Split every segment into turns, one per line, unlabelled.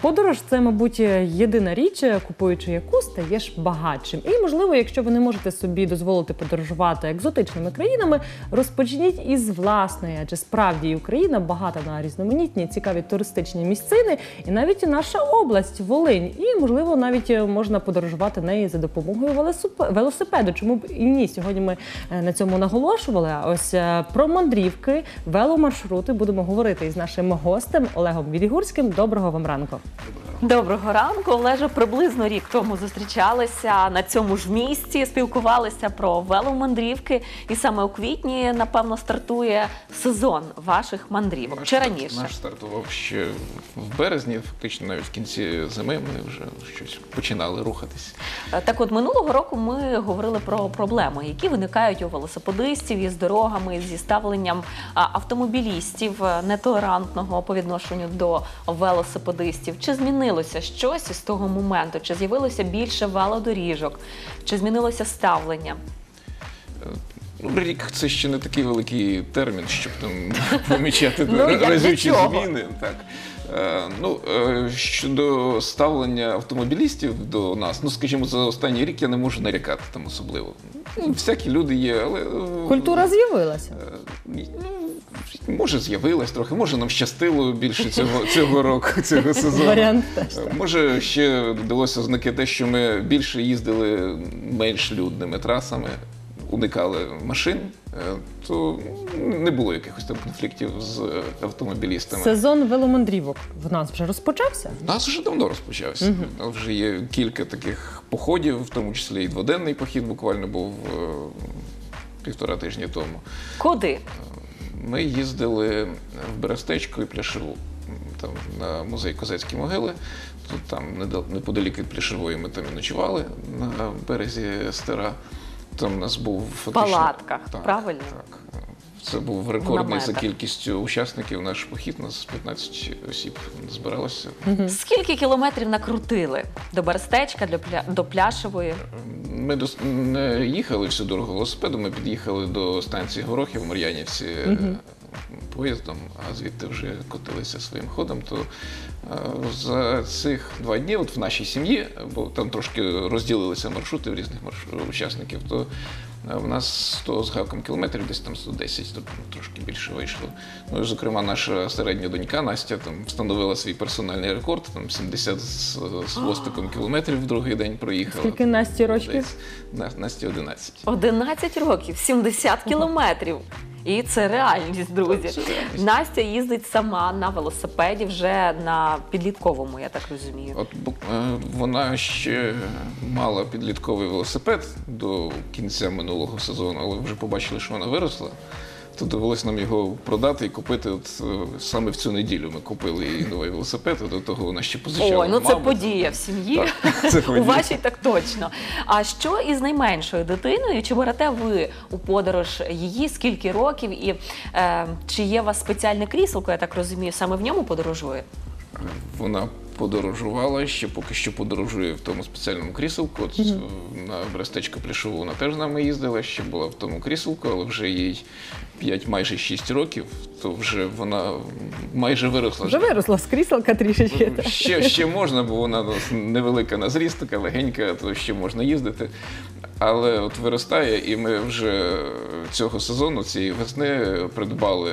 Подорож – це, мабуть, єдина річ, купуючи яку стаєш багатшим. І, можливо, якщо ви не можете собі дозволити подорожувати екзотичними країнами, розпочніть із власної, адже справді і Україна багата на різноманітні, цікаві туристичні місцини, і навіть наша область, Волинь. І, можливо, навіть можна подорожувати нею за допомогою велосипеду. Чому б і ні? Сьогодні ми на цьому наголошували. А ось про мандрівки, веломаршрути будемо говорити із нашим гостем Олегом Відігурським. Доброго вам ранку.
Доброго ранку. Олеже, приблизно рік тому зустрічалися на цьому ж місці, спілкувалися про веломандрівки. І саме у квітні, напевно, стартує сезон ваших мандрівок. Чи раніше?
Наш стартував ще в березні, фактично навіть в кінці зими ми вже щось починали рухатись.
Так от, минулого року ми говорили про проблеми, які виникають у велосипедистів із дорогами, зі ставленням автомобілістів нетолерантного по відношенню до велосипедистів. Чи змінилося щось із того моменту? Чи з'явилося більше велодоріжок? Чи змінилося ставлення?
Рік – це ще не такий великий термін, щоб там помічати
Ну,
разючі зміни. Так. Щодо ставлення автомобілістів до нас, скажімо, за останній рік я не можу нарікати там особливо. Всякі люди є, але...
Культура з'явилася?
Може, з'явилась трохи, може, нам щастило більше цього року, цього сезону.
Варіант теж.
Може, ще додалося ознаки те, що ми більше їздили менш людними трасами, уникали машин, то не було якихось там конфліктів з автомобілістами.
Сезон веломандрівок в нас вже розпочався?
У нас вже давно розпочався. У нас вже є кілька таких походів, в тому числі і дводенний похід буквально був 1,5 тижні тому.
Куди?
Ми їздили в Берестечко і Пляшеву, там на музей Козацькі могили. Тут там неподалік від Пляшевої ми там і ночували на березі Стера. Там у нас був фактично...
В палатках, правильно?
Так. Це був рекордний за кількістю учасників наш похід. У нас 15 осіб збиралося.
Скільки кілометрів накрутили до Берестечка, до Пляшевої?
Ми не їхали всю дорогу велосипедом, ми під'їхали до станції Горохів в Мар'янівці поїздом, а звідти вже котилися своїм ходом. То за цих 2 дні, от в нашій сім'ї, бо там трошки розділилися маршрути в різних учасників, то в нас 100 з гаком кілометрів, десь там 110, тобто трошки більше вийшло. Ну і, зокрема, наша середня донька Настя там встановила свій персональний рекорд, там 70 з хвостиком кілометрів в другий день проїхала.
Скільки Насті років?
Насті 11.
11 років, 70 кілометрів. І це реальність, друзі. Настя їздить сама на велосипеді вже на підлітковому, я так розумію.
От вона ще мала підлітковий велосипед до кінця минулого сезону, але вже побачили, що вона виросла. То довелося нам його продати і купити. От саме в цю неділю ми купили їй новий велосипед, а до того вона ще позичала.
Ой, ну це подія в сім'ї. У вашій так точно. А що із найменшою дитиною? Чи берете ви у подорож її? Скільки років? І чи є у вас спеціальне кріселко, я так розумію, саме в ньому подорожує?
Вона подорожувала, ще поки що подорожує в тому спеціальному кріселку. От на Берестечко Пляшову вона теж з нами їздила, ще була в тому кріселку, але вже їй 5, майже 6 років, то вже вона майже виросла.
Вже виросла з кріселка трішечки.
Ще можна, бо вона невелика на зріст, така легенька, то ще можна їздити. Але от виростає, і ми вже цього сезону, цієї весни, придбали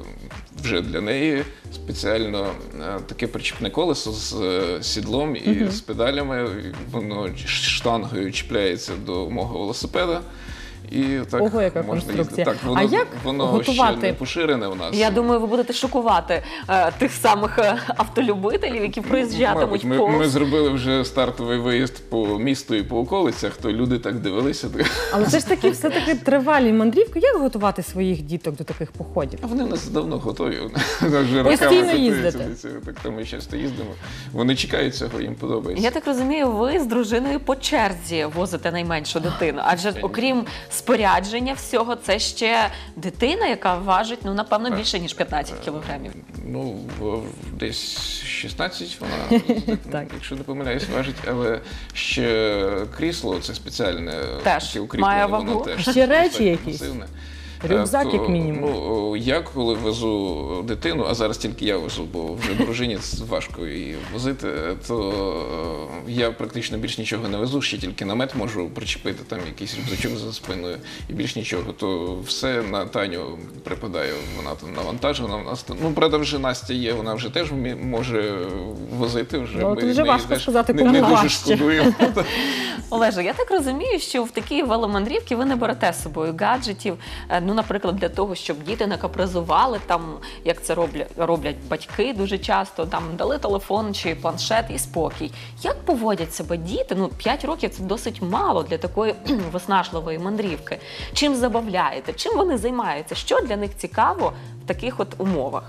вже для неї спеціально таке причіпне колесо з сідлом і з педалями. Воно штангою чіпляється до мого велосипеда. І так
Ого, яка
можна
конструкція.
їздити. Так,
А як
воно
готувати?
ще не поширене у нас.
Я думаю, ви будете шокувати тих самих автолюбителів, які приїжджатимуть повз.
Ми зробили вже стартовий виїзд по місту і по околицях, то люди так дивилися.
Але це ж таки все-таки тривалі мандрівки. Як готувати своїх діток до таких походів?
А вони у нас давно готові.
Постійно їздите?
Так то ми часто їздимо. Вони чекають цього, їм подобається.
Я так розумію, ви з дружиною по черзі возите найменшу дитину. Адже окрім спорядження всього, це ще дитина, яка важить, ну, напевно, більше, ніж 15 кілограмів.
Ну, десь 16 вона, якщо не помиляюсь, важить, але ще крісло, це спеціальне,
теж
укріплене,
має
воно
вагу.
теж
ще речі якісь? рюкзак як мінімум.
Ну, я коли везу дитину, а зараз тільки я везу, бо вже дружині важко її возити, то я практично більш нічого не везу, ще тільки намет можу причепити, там якийсь рюкзачок за спиною і більш нічого. То все на Таню припадає, вона там навантажена. У нас, ну, правда, вже Настя є, вона вже теж може возити. Вже
Ну,
ми
тут вже
неї
важко
теж
сказати,
не
кому
дуже
важче.
шкодуємо.
Олеже, я так розумію, що в такі веломандрівки ви не берете з собою гаджетів, ну, наприклад, для того, щоб діти не капризували, там, як це роблять батьки дуже часто, там, дали телефон чи планшет і спокій. Як поводять себе діти? Ну, 5 років – це досить мало для такої виснажливої мандрівки. Чим забавляєте? Чим вони займаються? Що для них цікаво в таких от умовах?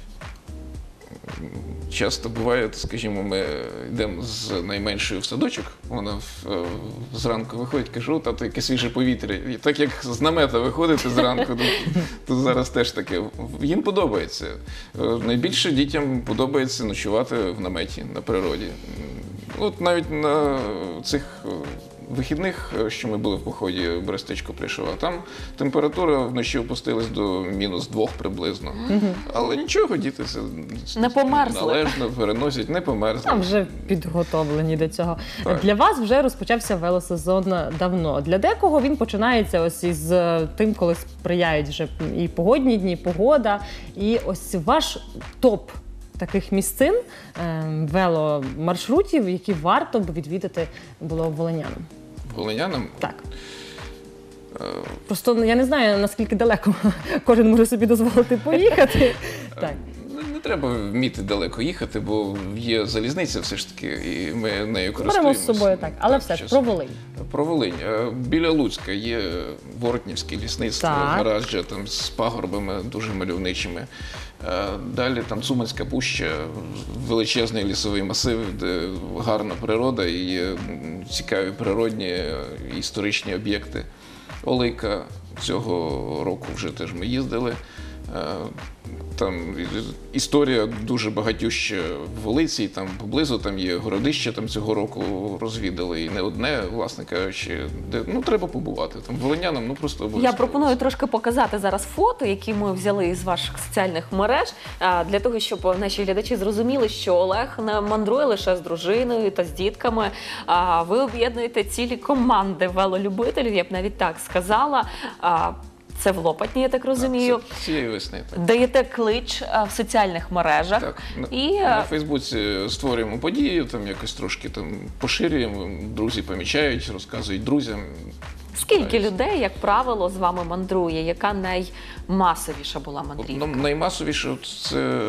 Часто буває, скажімо, ми йдемо з найменшою в садочок, вона зранку виходить, кажу, тато, яке свіже повітря. І так як з намета виходити зранку, то зараз теж таке. Їм подобається. Найбільше дітям подобається ночувати в наметі на природі. От навіть на цих вихідних, що ми були в поході Берестечко Пришова, там температура вночі опустилась до -2 приблизно. Але нічого, діти це
Не померзли.
належно переносять, не померзли.
Там вже підготовлені до цього.
Так.
Для вас вже розпочався велосезон давно. Для декого він починається ось із тим, коли сприяють вже і погодні дні, погода. І ось ваш топ таких місцин, веломаршрутів, які варто б відвідати було волинянам.
Волинянам?
Так. Просто я не знаю, наскільки далеко кожен може собі дозволити поїхати. Так.
Не треба вміти далеко їхати, бо є залізниця все ж таки, і ми нею
Беремо
користуємося.
з собою так, але все ж про Волинь.
Про Волинь. Біля Луцька є Воротнівське лісництво,
Так.
гаражджа там з пагорбами дуже мальовничими. Далі там Цуманська пуща, величезний лісовий масив, де гарна природа і є цікаві природні історичні об'єкти. Олейка цього року вже теж ми їздили. Там історія дуже багатюща в Волиці, там поблизу там є городище, там цього року розвідали, і не одне, власне кажучи, де, ну, треба побувати. Там волинянам, ну, просто обов'язково.
Я пропоную трошки показати зараз фото, які ми взяли із ваших соціальних мереж, для того, щоб наші глядачі зрозуміли, що Олег не мандрує лише з дружиною та з дітками, а ви об'єднуєте цілі команди велолюбителів, я б навіть так сказала. Це в Лопатні, я так розумію.
Це цієї весни. Так.
Даєте клич в соціальних мережах.
Так,
І
на Фейсбуці створюємо події, там якось трошки там поширюємо, друзі помічають, розказують друзям.
скільки людей, як правило, з вами мандрує? Яка наймасовіша була мандрівка?
Ну, наймасовіше це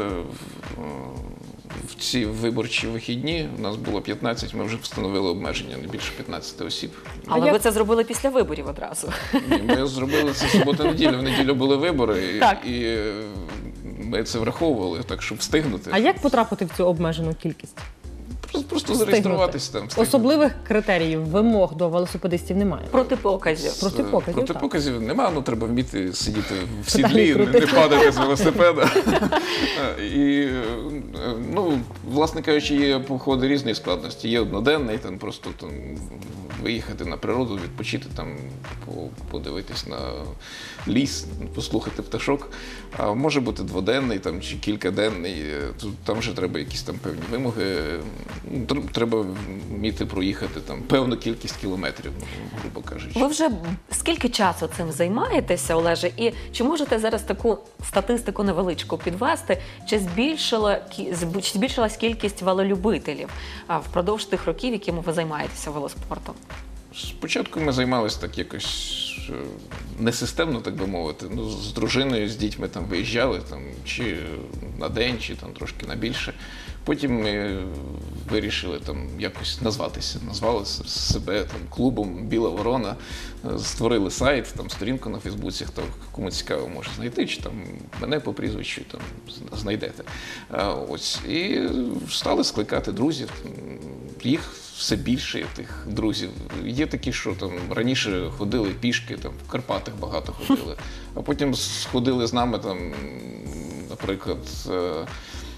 в ці виборчі вихідні. У нас було 15, ми вже встановили обмеження, не більше 15 осіб.
Але ви це зробили після виборів одразу.
Ні, ми зробили це субота-неділя, в неділю були вибори,
Так.
і ми це враховували, так, щоб встигнути.
А як потрапити в цю обмежену кількість?
Просто зареєструватися там. встигнути.
Особливих критеріїв, вимог до велосипедистів немає.
Протипоказів.
Протипоказів, так.
Протипоказів немає, ну треба вміти сидіти в
Педалі
сідлі, не
крутити.
падати з велосипеда. І, ну, власне кажучи, є походи різної складності. Є одноденний, там просто там виїхати на природу, відпочити, там, подивитись на ліс, послухати пташок. А може бути дводенний там, чи кількаденний. Там вже треба якісь там певні вимоги. Треба вміти проїхати там певну кількість кілометрів, грубо кажучи.
Ви вже скільки часу цим займаєтеся, Олеже? І чи можете зараз таку статистику невеличку підвести? Чи збільшилась кількість велолюбителів впродовж тих років, якими ви займаєтеся велоспортом?
Спочатку ми займалися так якось несистемно, так би мовити. Ну, з дружиною, з дітьми там виїжджали там, чи на день, чи там трошки на більше. Потім ми вирішили там якось назвали себе там клубом Біла Ворона, створили сайт, там сторінку на Фейсбуці, хто кому цікаво може знайти, чи там мене по прізвищу там знайдете. Ось і стали скликати друзів. Їх все більше, тих друзів. Є такі, що там раніше ходили пішки, там в Карпатах багато ходили, а потім сходили з нами там, наприклад,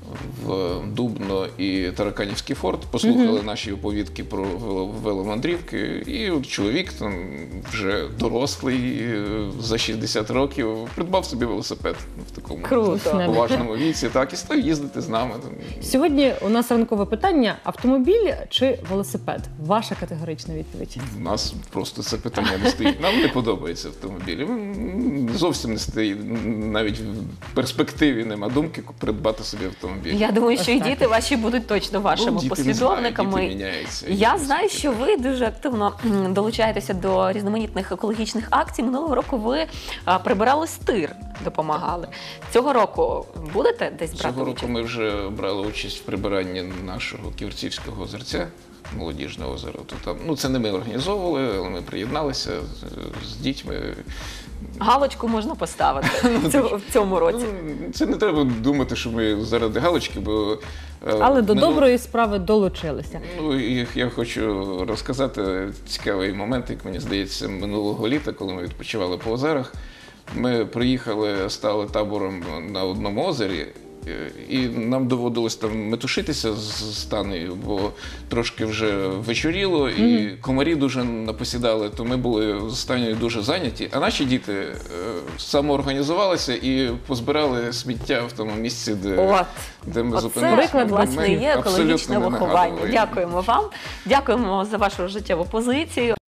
в Дубно і Тараканівський форт, послухали наші оповідки про веломандрівки, і от чоловік там вже дорослий, за 60 років, придбав собі велосипед в такому
Круто.
поважному віці, так, і став їздити з нами.
Сьогодні у нас ранкове питання: автомобіль чи велосипед? Ваша категорична відповідь.
У нас просто це питання не стоїть. Нам не подобається автомобілі. Зовсім не стоїть, навіть в перспективі нема думки придбати собі автомобіль.
Я думаю, що і
Ось так.
діти ваші будуть точно вашими
Діти не
послідовниками.
знають, діти міняються.
Я знаю, що ви дуже активно долучаєтеся до різноманітних екологічних акцій. Минулого року ви прибирали стир, допомагали. Цього року будете десь брати
Цього року
участь?
ми вже брали участь в прибиранні нашого Ківерцівського озерця, молодіжного озера. То там, це не ми організовували, але ми приєдналися з дітьми.
Галочку можна поставити в цьому році.
Це не треба думати, що ми заради галочки, бо...
Але до доброї справи долучилися.
Я хочу розказати цікавий момент, як мені здається, минулого літа, коли ми відпочивали по озерах. Ми приїхали, стали табором на одному озері, і нам доводилось там метушитися з Танею, бо трошки вже вечоріло, і комарі дуже напосідали, то ми були з Танею дуже зайняті. А наші діти самоорганізувалися і позбирали сміття в тому місці, де ми зупинилися.
приклад,
власне,
Ми
є екологічне
абсолютно не
виховання.
нагадували.
Дякуємо вам. Дякуємо за вашу життєву позицію.